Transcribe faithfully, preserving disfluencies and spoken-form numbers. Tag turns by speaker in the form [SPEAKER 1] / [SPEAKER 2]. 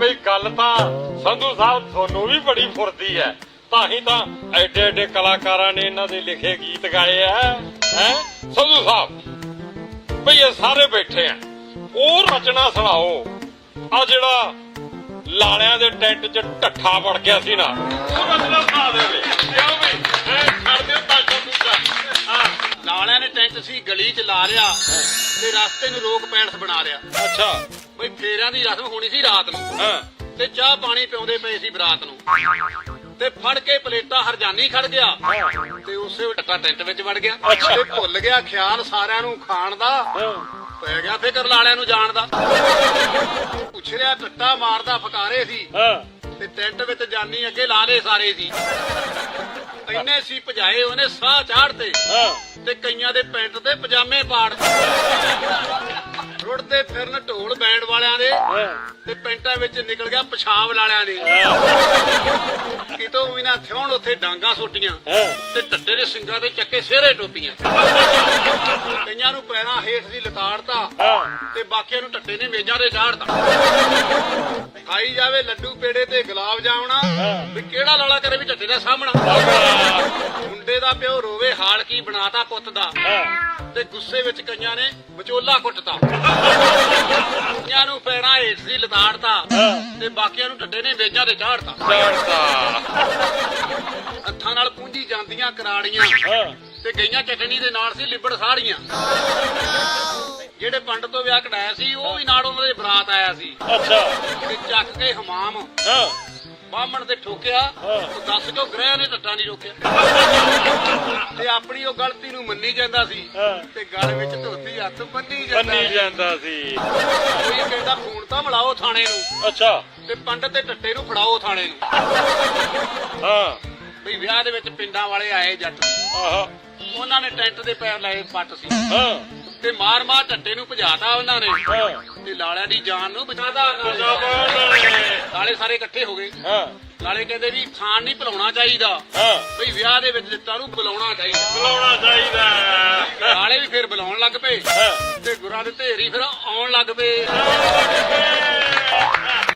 [SPEAKER 1] ਬਈ ਗੱਲ ਤਾਂ ਸੰਧੂ ਸਾਹਿਬ ਤੁਹਾਨੂੰ ਵੀ ਬੜੀ ਫੁਰਦੀ ਹੈ, ਤਾਂ ਹੀ ਤਾਂ ਐਡੇ ਐਡੇ ਕਲਾਕਾਰਾਂ ਨੇ ਇਹਨਾਂ ਦੇ ਲਿਖੇ ਗੀਤ ਗਾਏ ਆ। ਹੈ ਸੰਧੂ ਸਾਹਿਬ ਬਈ ਇਹ ਸਾਰੇ ਬੈਠੇ ਆ, ਉਹ ਰਚਨਾ ਸੁਣਾਓ। ਆ ਜਿਹੜਾ ਲਾਲਿਆਂ ਦੇ ਟੈਂਟ 'ਚ ਢੱਠਾ ਵੜ ਗਿਆ ਸੀ ਨਾ, ਉਹ ਰਚਨਾ ਸੁਣਾ ਦੇਵੇ। ਕਿਉਂ ਬਈ ਛੱਡ ਦਿਓ ਤਾਜਾ ਦੂਜਾ। ਹਾਂ,
[SPEAKER 2] ਲਾਲਿਆਂ ਨੇ ਟੈਂਟ ਸੀ ਗਲੀ 'ਚ ਲਾ ਲਿਆ ਤੇ ਰਸਤੇ ਨੂੰ ਰੋਕ ਪੈਲਸ ਬਣਾ ਲਿਆ।
[SPEAKER 1] ਅੱਛਾ
[SPEAKER 2] ਬਈ ਫੇਰਿਆਂ ਦੀ ਰਸਮ ਹੋਣੀ ਸੀ ਰਾਤ ਨੂੰ,
[SPEAKER 1] ਹਾਂ,
[SPEAKER 2] ਤੇ ਚਾਹ ਪਾਣੀ ਪਿਉਂਦੇ ਪਏ ਸੀ ਬਰਾਤ ਨੂੰ, ਤੇ ਫੜ ਕੇ ਪਲੇਟਾਂ ਹਰਜਾਨੀ ਖੜ ਗਿਆ ਤੇ ਉਸੇ ਟੱਟਾ ਟੈਂਟ ਵਿੱਚ ਵੜ ਗਿਆ। ਤੇ ਭੁੱਲ ਗਿਆ ਖਿਆਲ ਸਾਰਿਆਂ ਨੂੰ ਖਾਣ ਦਾ, ਪੈ ਗਿਆ ਫਿਕਰ ਲਾਲਿਆਂ ਨੂੰ ਜਾਣ ਦਾ। ਪੁੱਛ ਰਿਹਾ ਟੱਟਾ ਮਾਰਦਾ ਫਕਾਰੇ ਸੀ ਤੇ ਟੈਂਟ ਵਿੱਚ ਜਾਨੀ ਅੱਗੇ ਲਾਲੇ ਸਾਰੇ ਸੀ। ਇੰਨੇ ਸੀ ਭਜਾਏ ਉਹਨੇ ਸਾਹ ਚਾੜਦੇ ਤੇ ਕਈਆਂ ਦੇ ਪੈਂਟ ਤੇ ਪਜਾਮੇ ਪਾੜ ਰੁੜਦੇ ਫਿਰਨ ਢੋਲ ਬੈਂਡ ਵਾਲਿਆਂ ਦੇ ਤੇ ਪੈਂਟਾਂ ਵਿੱਚ ਨਿਕਲ ਗਿਆ ਪਿਸ਼ਾਬ ਵਾਲਿਆਂ ਦੇ। ਕਿਤੋਂ ਵੀ ਨਾ ਥਿਉਣ ਉੱਥੇ ਡਾਂਗਾ ਸੁੱਟੀਆਂ ਤੇ ਟੱਟੇ ਦੇ ਸਿੰਘਾਂ ਦੇ ਚੱਕੇ ਸਿਹਰੇ ਟੋਪੀਆਂ। ਕਈਆਂ ਨੂੰ ਪੈਰਾਂ ਹੇਠ ਦੀ ਲਤਾੜਤਾ ਤੇ ਬਾਕੀਆਂ ਨੂੰ ਟੱਟੇ ਨੇ ਮੇਜ਼ਾਂ ਤੇ ਚਾੜਤਾ। ਖਾਈ ਜਾਵੇ ਲੱਡੂ ਪੇੜੇ ਤੇ ਗੁਲਾਬ ਜਾਮਣਾ, ਵੀ ਕਿਹੜਾ ਲਾਲਾ ਕਰੇ ਵੀ ਟੱਟੇ ਦਾ ਸਾਹਮਣਾ। ਮੁੰਡੇ ਦਾ ਪਿਓ ਰੋਵੇ ਹਾਲ ਕੀ ਬਣਾਤਾ ਪੁੱਤ ਦਾ, ਤੇ ਗੁੱਸੇ ਵਿੱਚ ਕਈਆਂ ਨੇ ਵਿਚੋਲਾ ਕੁੱਟਤਾ। ਕਈਆਂ ਨੂੰ ਪੈਰਾਂ ਹੇਠ ਦੀ ਲਤਾੜਤਾ ਤੇ ਬਾਕੀਆਂ ਨੂੰ ਟੱਟੇ ਨੇ ਮੇਜ਼ਾਂ ਤੇ ਚਾੜਤਾ। ਹੱਥਾਂ ਨਾਲ ਪੂੰਝੀ ਜਾਂਦੀਆਂ ਕਰਾੜੀਆਂ ਤੇ ਗਈਆਂ ਚਟਣੀ ਦੇ ਨਾਲ ਸੀ ਲਿਬੜ ਸਾੜੀਆਂ। ਜਿਹੜੇ ਪੰਡਤ ਤੋਂ ਵਿਆਹ ਕਢਾਇਆ ਸੀ ਉਹ ਵੀ ਨਾਲ ਉਹਨਾਂ ਦੇ ਬਰਾਤ ਆਇਆ ਸੀ।
[SPEAKER 1] ਅੱਛਾ,
[SPEAKER 2] ਤੇ ਚੱਕ ਕੇ ਹਮਾਮ ਬਾਹਮਣ ਤੇ ਠੋਕਿਆ, ਦੱਸ ਕਿਉਂ ਗ੍ਰਹਿ ਨੇ ਟੱਟਾ ਨਹੀਂ ਰੋਕਿਆ। ਤੇ ਆਪਣੀ ਉਹ ਗਲਤੀ ਨੂੰ ਮੰਨੀ ਜਾਂਦਾ ਸੀ ਤੇ ਗਲ ਵਿੱਚ ਧੋਤੀ ਹੱਥ ਬੰਨੀ
[SPEAKER 1] ਜਾਂਦਾ ਸੀ।
[SPEAKER 2] ਕੋਈ ਕਹਿੰਦਾ ਖੂਨ ਤਾਂ ਮਿਲਾਓ ਥਾਣੇ ਨੂੰ,
[SPEAKER 1] ਅੱਛਾ,
[SPEAKER 2] ਤੇ ਪੰਡਤ ਤੇ ਟੱਟੇ ਨੂੰ ਫੜਾਓ ਥਾਣੇ ਨੂੰ।
[SPEAKER 1] ਹਾਂ
[SPEAKER 2] ਬਈ ਵਿਆਹ ਦੇ ਵਿੱਚ ਪਿੰਡਾਂ ਵਾਲੇ ਆਏ ਜੱਟ,
[SPEAKER 1] ਆਹ
[SPEAKER 2] ਉਹਨਾਂ ਨੇ ਟੈਂਟ ਦੇ ਪੈਰ ਲਾਏ ਪੱਟ ਸੀ
[SPEAKER 1] ਹਾਂ,
[SPEAKER 2] ਤੇ ਮਾਰ ਮਾਰ ਟੱਟੇ ਨੂੰ ਭਜਾਤਾ ਉਹਨਾਂ ਨੇ ਤੇ ਲਾਲਿਆਂ ਦੀ ਜਾਨ ਨੂੰ ਬਚਾਤਾ। ਲਾਲੇ ਸਾਰੇ ਇਕੱਠੇ ਹੋ ਗਏ।
[SPEAKER 1] ਹਾਂ,
[SPEAKER 2] ਲਾਲੇ ਕਹਿੰਦੇ ਵੀ ਖਾਣ ਨਹੀਂ ਭੁਲਾਉਣਾ ਚਾਹੀਦਾ,
[SPEAKER 1] ਹਾਂ,
[SPEAKER 2] ਬਈ ਵਿਆਹ ਦੇ ਵਿੱਚ ਦਿੱਤਾ ਨੂੰ ਬੁਲਾਉਣਾ ਚਾਹੀਦਾ।
[SPEAKER 1] ਬੁਲਾਉਣਾ ਚਾਹੀਦਾ।
[SPEAKER 2] ਲਾਲੇ ਵੀ ਫਿਰ ਬੁਲਾਉਣ ਲੱਗ ਪਏ
[SPEAKER 1] ਹਾਂ,
[SPEAKER 2] ਤੇ ਗੁਰਾਂ ਦੇ ਢੇਰੀ ਫਿਰ ਆਉਣ ਲੱਗ ਪਏ।